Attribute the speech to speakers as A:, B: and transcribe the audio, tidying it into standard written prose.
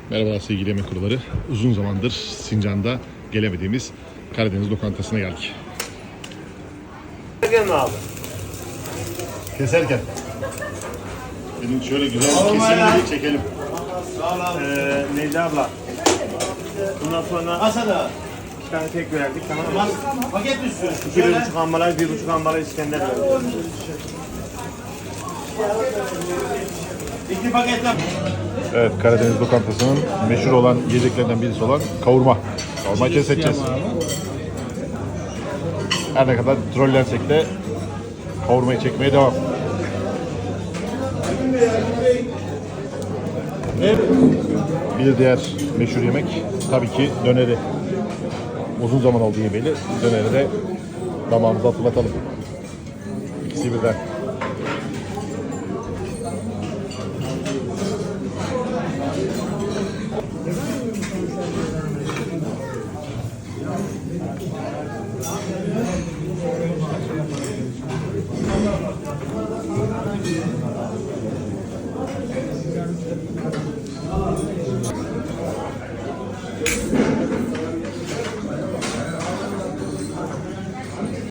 A: Merhabalar sevgili yemek kuruları. Uzun zamandır Sincan'da gelemediğimiz Karadeniz lokantasına geldik.
B: Gelme abi.
A: Keserken. Benim şöyle güzel bir kesimleri çekelim.
B: Necla abla. Bundan sonra
C: Masada.
B: 2 tane tek verdik, tamam mı?
C: Paket mi istiyorsun?
B: 2,5 ambalaj, 1,5 ambalaj İskender verdik.
C: 2 paket yap.
A: Evet, Karadeniz lokantasının meşhur olan yiyeceklerinden birisi olan kavurma. Kavurmayı test edeceğiz. Her ne kadar trollensek de kavurmayı çekmeye devam. Bir diğer meşhur yemek tabii ki döneri. Uzun zaman oldu yemeyeli. Döneri de damağımıza hatırlatalım. İkisi birden.